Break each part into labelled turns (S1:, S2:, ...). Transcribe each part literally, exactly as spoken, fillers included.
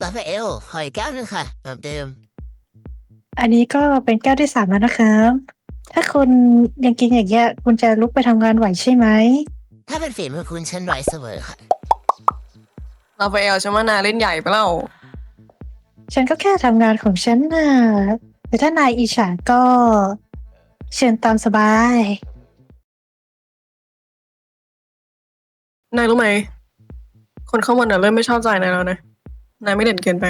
S1: ราฟาเอลขออีกแก้วหนึงค่ะเหมือนเดิม
S2: อันนี้ก็เป็นแก้วที่สามแล้วนะครับ ถ้าคุณยังกินอย่างเงี้ยคุณจะลุกไปทำงานไหวใช่ไหม
S1: ถ้าเป็นฝีมือคุณฉันไหวเสมอค่ะ
S3: ราฟาเอลฉันว่านายเล่นใหญ่ไปแล้ว
S2: ฉันก็แค่ทำงานของฉันน่ะแต่ถ้านายอิจฉาก็เชิญตามสบาย
S3: นายรู้ไหม คนข้างบนน่ะเริ่มไม่ชอบใจนายแล้วนะ นายไม่เด่นเกินไป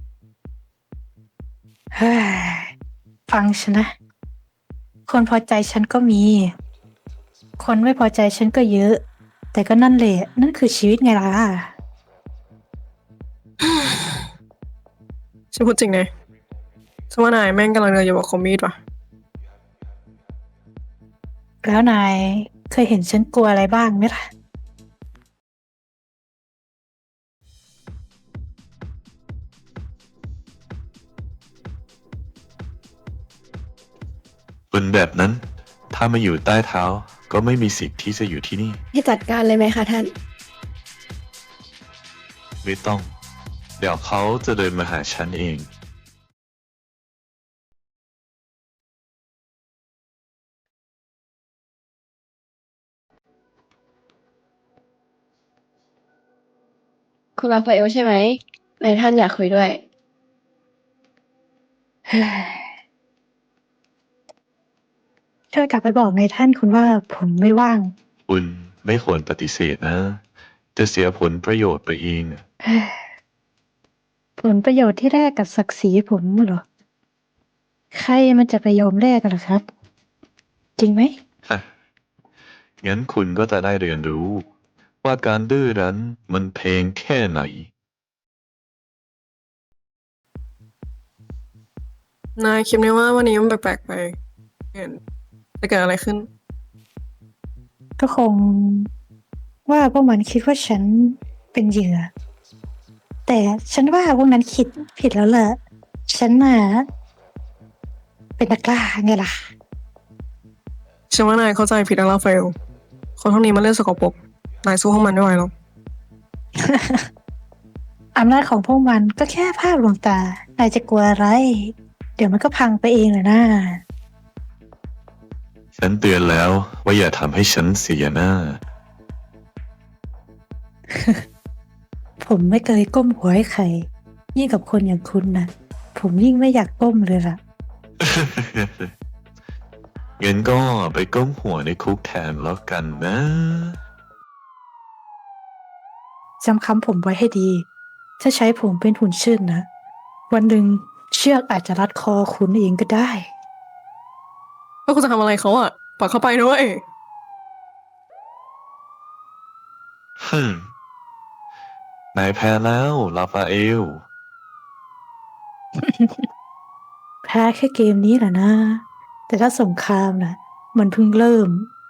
S2: เฮ้ยฟังฉันนะ คนพอใจฉันก็มี คนไม่พอใจฉันก็เยอะ แต่ก็นั่นแหละ นั่นคือชีวิตไงล่ะ
S3: ฉันพูดจริงนะฉันว่านายแม่งกำลังเดินอยู่กับคอมมีดว่ะ
S2: แล้วนายเคยเห็นฉันกลัวอะไรบ้างไหมล่ะ
S4: คนแบบนั้น ถ้ามาอยู่ใต้เท้าก็ไม่มีสิทธิ์ที่จะอยู่ที่นี่
S5: ให้จัดการเลยไหมคะท่าน
S4: ไม่ต้อง เดี๋ยวเขาจะเดินมาหาฉันเอง
S5: คุณราฟาเอลใช่ไหมนายท่านอยากคุยด้วย
S2: เฮ้ยช่วยกลับไปบอกนายท่านคุณว่าผมไม่ว่าง
S4: คุณไม่ควรปฏิเสธนะ จะเสียผลประโยชน์ไปเอง
S2: เฮ้ยผลประโยชน์ที่แลกกับศักดิ์ศรีผมเหรอ ใครมันจะไปยอมแลกกันล่ะครับ จริงไหม
S4: ฮะงั้นคุณก็จะได้เรียนรู้ ว่าการดื้อรั้นมันเพลงแค่ไหน
S3: นายคิดไหมว่าวันนี้มันแปลกๆไปเห็นจะเกิดอะไรขึ้น
S2: ก็คงว่าพวกมันคิดว่าฉันเป็นเหยื่อ แต่ฉันว่าพวกนั้นคิดผิดแล้วแหละฉันน่ะเป็นนักล่าไงล่ะ
S3: ฉันว่านายเข้าใจผิดแล้วราฟาเอลคนพวกนี้มันเล่นสกปรกนายสู้พวกมันไม่ไหวหรอก
S2: อำนาจของพวกมันก็แค่ภาพลวงตานายจะกลัวอะไร เดี๋ยวมันก็พังไปเองแหละนะ
S4: ฉันเตือนแล้วว่าอย่าทำให้ฉันเสียหน้า
S2: ผมไม่เคยก้มหัวให้ใคร ยิ่งกับคนอย่างคุณนะผมยิ่งไม่อยากก้มเลยล่ะ
S4: งั้นก็ไปก้มหัวในคุกแทนแล้วกันนะ
S2: จำคำผมไว้ให้ดี ถ้าใช้ผมเป็นหุ่นเชิดนะ วันหนึ่งเชือกอาจจะรัดคอคุณเองก็ได้
S3: แล้วคุณจะทำอะไรเขาอ่ะปล่อยเขาไปด้วย
S4: ฮึมนายแพ้แล้วลาฟาเอล
S2: แพ้แค่เกมนี้แหละนะ แต่ถ้าสงครามนะมันเพิ่งเริ่ม